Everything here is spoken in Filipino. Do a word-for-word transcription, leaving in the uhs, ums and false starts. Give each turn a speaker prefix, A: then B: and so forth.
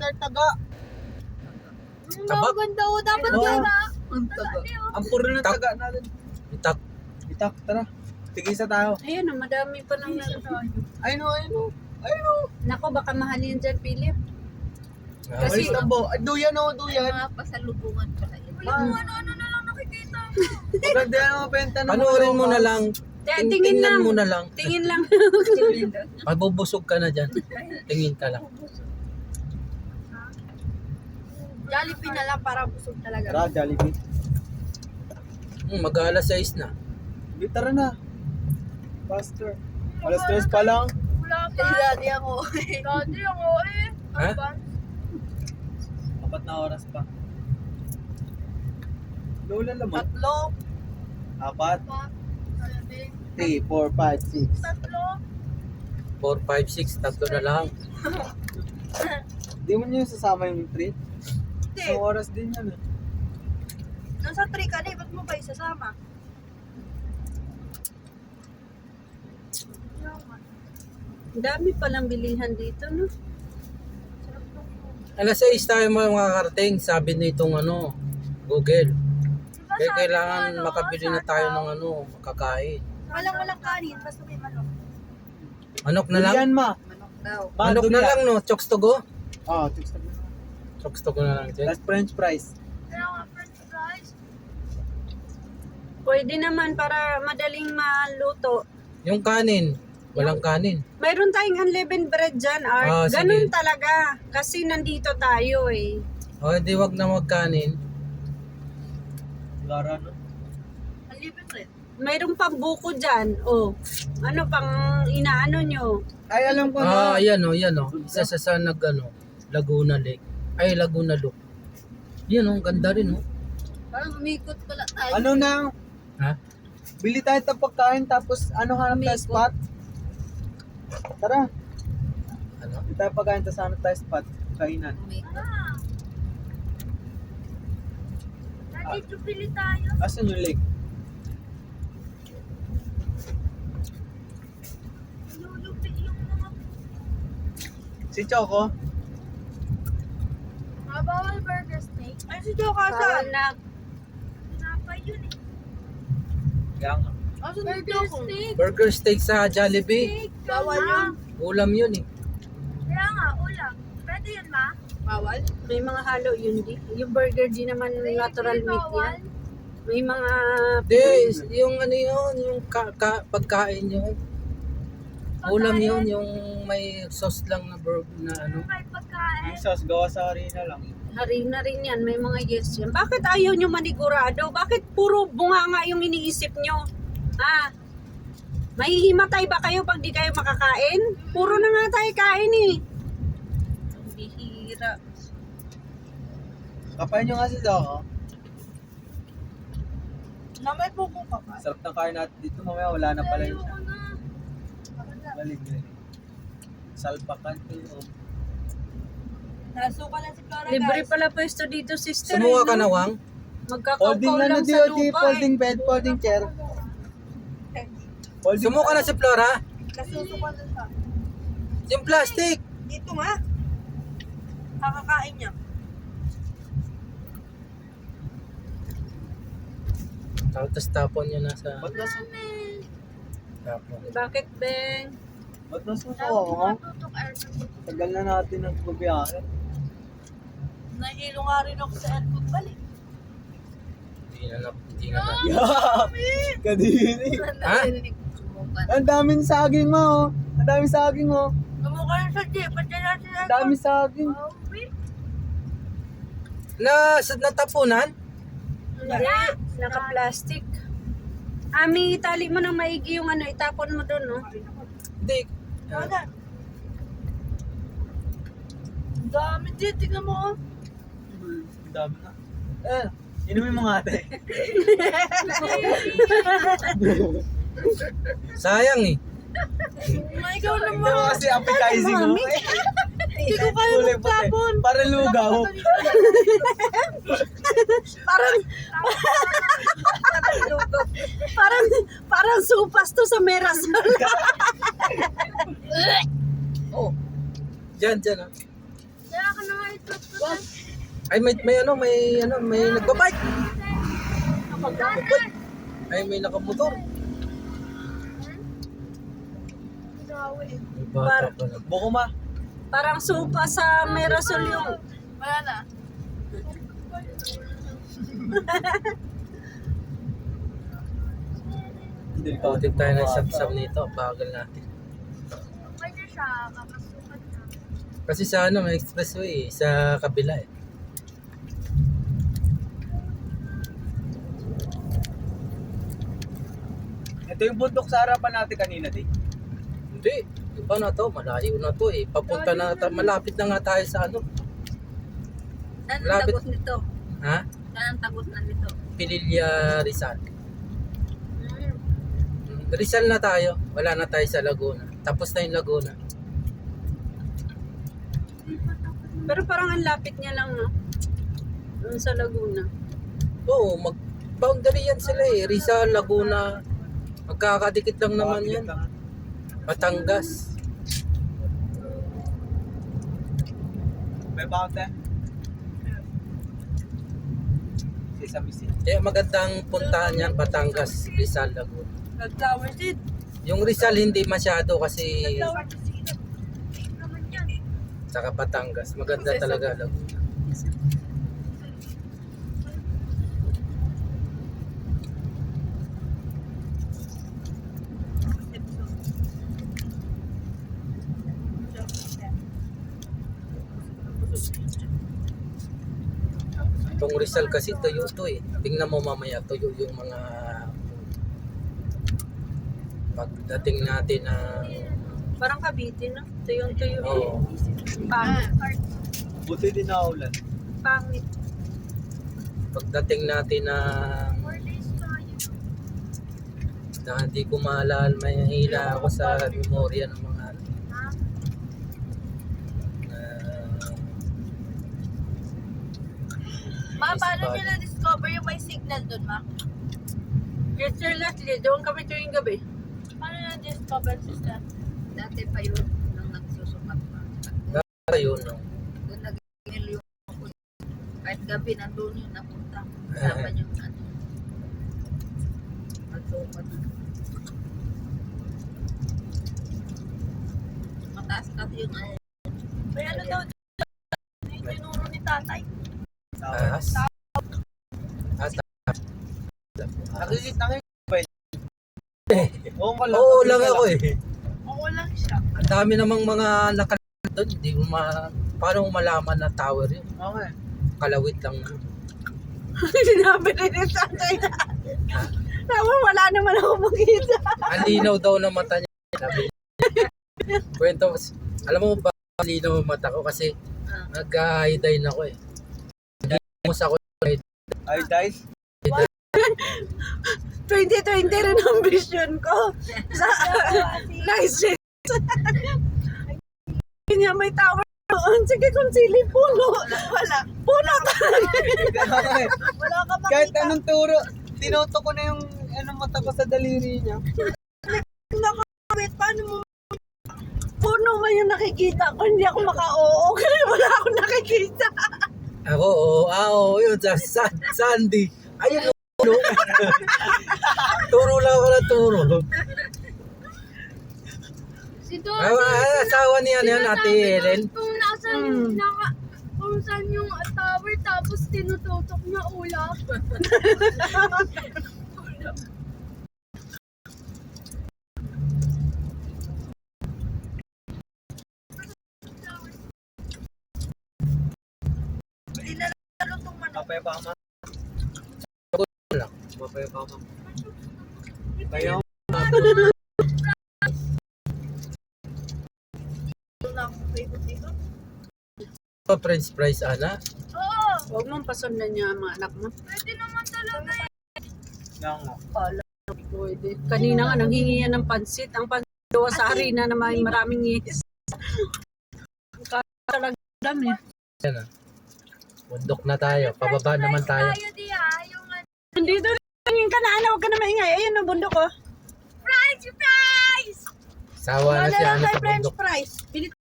A: Master Taga.
B: Ang
C: Tabak?
B: ganda o. Dapat
A: Oo.
B: yun ha.
D: Ang taga.
A: Ang puro ng
C: Tak.
A: taga natin.
C: Itak.
A: Itak, tara. Tigisa tayo.
D: Ayan o, madami pa nang
A: Ay no, ay no. Ay no.
D: Nako, baka mahalin dyan, Philip.
C: Ah,
A: Kasi, Tambo. Ay, duyan o, duyan.
B: Mga pasalubungan pala yun.
A: Ah.
B: Yung ano-ano na lang nakikita mo.
A: Maganda yan ang mabenta ng
C: Panoorin mo na lang.
D: Te-
C: Ting-
D: tingin
C: tingnan
D: lang.
C: mo na lang.
D: Tingin lang.
C: Magbubusog ka na dyan. Tingin ka lang.
B: Jollibee na lang para busog talaga.
A: Tara, Jollibee.
C: Hmm, mag-aalas sais na.
A: Di, tara na. Faster. Alas tres pa lang.
B: Wala pa. Eh, daddy ako. Daddy ako eh.
C: Ha?
A: Apat na oras pa. Lola naman.
B: Tatlo.
A: Apat.
B: Pa. Sabi.
A: three, four, five, six.
B: Tatlo.
C: four, five, six, tatlo na lang.
A: Di mo niyo sasama yung treat?
B: Hindi.
A: Isang oras din yan eh.
B: Nasa three ka na eh. Ba't mo ba isasama?
D: Ang dami palang bilihan dito, no?
C: Alas sais tayo mga makakarating. Sabi nitong ano, Google.
B: Diba
C: Kaya
B: sabi
C: kailangan
B: ko, ano,
C: makabili na tayo ng ano, makakain.
B: Walang walang kanin. Basta may manok.
C: Manok na lang?
A: Durian, ma.
B: Manok daw.
A: Ma,
C: Manok na
A: durian.
C: lang, no? Chokes to go?
A: Oh, chicks na.
C: Chokes to go na lang dyan.
A: Last french fries.
B: Kaya nga, french fries.
D: Pwede naman para madaling maluto.
C: Yung kanin, walang kanin.
D: Mayroon tayong unleavened bread dyan, Art.
C: Ah, sige.
D: Ganun talaga. Kasi nandito tayo eh.
C: O, di wag na magkanin.
A: Lara, no?
B: Ang libre rin.
D: Mayroon pang buko dyan. Oh. Ano pang inaano nyo?
A: Ay, alam ko
C: Ah,
A: na.
C: ayan o, yan o. Isa sa sa nag, ano, Laguna Lake. Ay, Laguna Look. Yan o, ganda rin o.
B: Parang umikot pala tayo.
A: Ano na?
C: Ha?
A: Bili tayo ng pagkain tapos ano hanap tayo spot? Tara.
C: Ano?
A: Bili tayo pagkain tapos hanap tayo spot. Kainan.
B: Umikot. Daddy, tupili tayo.
A: Asan yung lake?
B: Lulupi yung mga...
A: Si Choco?
B: Mga bawal burger steak. Ay, si Joe
D: Bawal
B: Kasal.
D: na.
B: Pinapay yun eh.
A: Kaya nga.
B: Asan burger steak?
C: Burger steak sa Jollibee.
B: Bawal yun.
C: Ulam yun eh.
B: Kaya nga, ulam. Pwede yun, ma? Bawal?
D: May mga halo yun di. Yung burger di naman natural meat yan. May mga...
C: Hindi, yung ano yun, yung ka, ka, pagkain yun. Ulam yun, yung may sauce lang na burger na ano.
B: May pagkain.
A: Yung sauce gawa sa harina lang.
D: Harina rin yan. May mga yes yan. Bakit ayaw nyo manigurado? Bakit puro bunganga yung iniisip nyo? Ha? Mahihimatay ba kayo pag di kayo makakain? Puro na nga tayo kain eh. Ang bihira.
A: Kapain nyo nga si Choco.
B: Na may pupo ka pa.
A: Sarap ng kain natin dito. Mamaya wala na pala yun siya.
B: na.
A: Galing, galing. Salpakan to.
B: Nasuka lang si Flora,
D: Libre
B: guys.
D: pala pwesto dito, sister.
C: Sumuha
D: eh,
C: ka
D: no?
C: na, Wang?
D: Magkakaupaw
A: Folding na na
D: lang
A: di,
D: sa
A: di,
D: lupa
A: folding bed, folding chair. Folding
C: Sumuha ka na si Flora?
B: Nasusuka lang siya.
C: Yung plastic.
B: Dito nga. Kakakain niya.
C: Tapos tapon yun nasa
A: Ba't nasa,
C: tapon.
D: eh. Bakit, Ben?
A: ba't nasa
B: Tawag
A: ako?
B: mo tutok aircon.
A: Tagal na natin ang bubiyahe.
B: Nahilo nga rin ako sa aircon balik.
C: Hindi na, na- hindi na. na-
A: Yeah! Kadiri.
C: Ha?
B: Sumukan.
A: Ang daming saging mo, oh. Ang daming saging, oh.
B: Sumukan na sa jeep. Ba't yan natin
A: Ang daming saging.
B: Oh, wait.
C: Na, sa natapunan?
D: Hindi. Naka-plastic. Ami, itali mo ng maigi yung ano, itapon mo doon, no?
C: Hindi.
B: Wala. Ang dami din. Tingnan mo, oh.
A: Ang dami na. Eh, inumin mo nga, ate.
C: Sayang eh.
B: May ikaw
A: Ito
B: naman.
A: kasi appetizing, oh.
B: Hindi ko kaya
A: Kulay puti.
B: magtapon.
A: Para lugaw.
D: Parang, parang, parang supas to sa Merasol.
C: Oh. Diyan, diyan ah.
B: Kaya ka na nga
C: Ay, may, may ano, may ano, may nagbabike. Nagbabike. Ay, may nakamotor. May bata pa lang.
A: Buko ma.
D: Parang supa sa Mirasol yung...
B: Wala na.
C: Kautin tayo ng sab-sab nito. Bagal natin.
B: Pwede siya, kakasukan na.
C: Kasi sa ano, may expressway eh, sa kabila eh.
A: Ito yung bundok sa harapan natin kanina, di.
C: Hindi, iba na to, malayo na to eh. Papunta na, ta- malapit na nga tayo sa ano.
B: Saan ang
C: Malapit.
B: tagot nito?
C: Ha?
B: Saan ang tagot na nito?
C: Pililya Rizal. Rizal na tayo, wala na tayo sa Laguna. Tapos na yung Laguna.
D: Pero parang ang lapit niya lang, no? Doon sa Laguna.
C: Oo, mag-boundary yan sila eh. Rizal, Laguna. Magkakadikit lang naman yan. Batangas.
A: May bakit eh. Sesame seed.
C: Kaya magandang puntahan yan, Batangas, Rizal, Laguna.
B: Nag-flower seed.
C: Yung Rizal hindi masyado kasi
B: Flower seed. Naman yan.
C: saka Batangas. Maganda talaga Laguna. Itong Rizal kasi tuyo to eh. Tingnan mo mamaya tuyo yung mga pagdating natin na
D: Parang Cavite, no? Tuyong-tuyo.
C: oh,
D: Pangit.
A: Buti din na ulan.
D: Pangit.
C: pagdating natin na na hindi ko maalala, may hila ako sa memorya ng mga ano,
B: Ma,
C: Yes,
B: paano
C: bad.
B: nyo na-discover yung may signal doon, ma?
D: Yes, sir, Leslie. Doon kami tuwing gabi.
B: Paano na-discover, sister?
E: Dati pa yun, nang nagsusukat pa.
C: na yun no?
E: Doon nag-email yung ako. Kahit gabi, nandun yung napunta. Kasama yung ano. Magsukat. Mataas kasi yung ano.
B: May ano daw dyan? Yung tinuro ni tatay.
C: Taas. Ah, taas.
A: Nakikita nakikita ba yun? Oo, wala.
C: Oo lang ako eh.
B: Oo lang siya.
C: Ang dami namang mga nakalagay doon. Hindi mo ma... Paano mo malaman na tower yun?
A: Okay.
C: Kalawit lang na.
D: Sinabi rin yung tatay na. Tama, wala naman ako makita.
C: Ang linaw daw ng mata niya. Sabi niya. Kwento, alam mo ba ang linaw ng mata ko kasi nag-iodine ako eh. Nag-imus ako.
A: Ay, guys.
D: twenty twenty rin ang vision ko. Sa nice. Niya may tower doon. Sige kung sili puno. Wala. Puno talaga.
B: Wala ka makita.
A: Kahit anong turo, tinoto ko na yung anong mata ko sa daliri niya.
D: Wait, paano mo? Puno man yung nakikita ko. Hindi ako maka-oo. Kasi wala akong nakikita.
C: Ako, oo, ah, oo, yun, sa sa- Sandy. Ayun, no. Turo lang ako ng turo.
F: Si Dodo,
C: Ah, ah, asawa niya yan, Ate Helen.
F: kung nasan
D: Mm.
F: yung naka, kung saan yung tower tapos tinututok na ulap.
B: Hindi na nalutong man.
A: Papaya pa ma.
C: lang.
A: Papaya pa ma. Kaya
B: Ito na akong favorite dito.
C: Pa French fries, Ana.
B: Oo,
D: Huwag mong pasundan niya ang mga anak mo.
F: Pwede naman talaga eh.
A: nga.
D: Pwede. Kanina nga, nanghingi yan ng pansit. Ang pansit daw sa harina na may maraming yes. Talaga dami.
C: Yan ah. Bundok na tayo. Pababa naman tayo.
F: Tayo di ah, yung ano,
D: Nandito rin ka na, ano, huwag ka na maingay. Ayun ang bundok ko.
F: fries, fries!
C: Sawa na si Ana sa
D: French
C: bundok.
D: fries. Pilit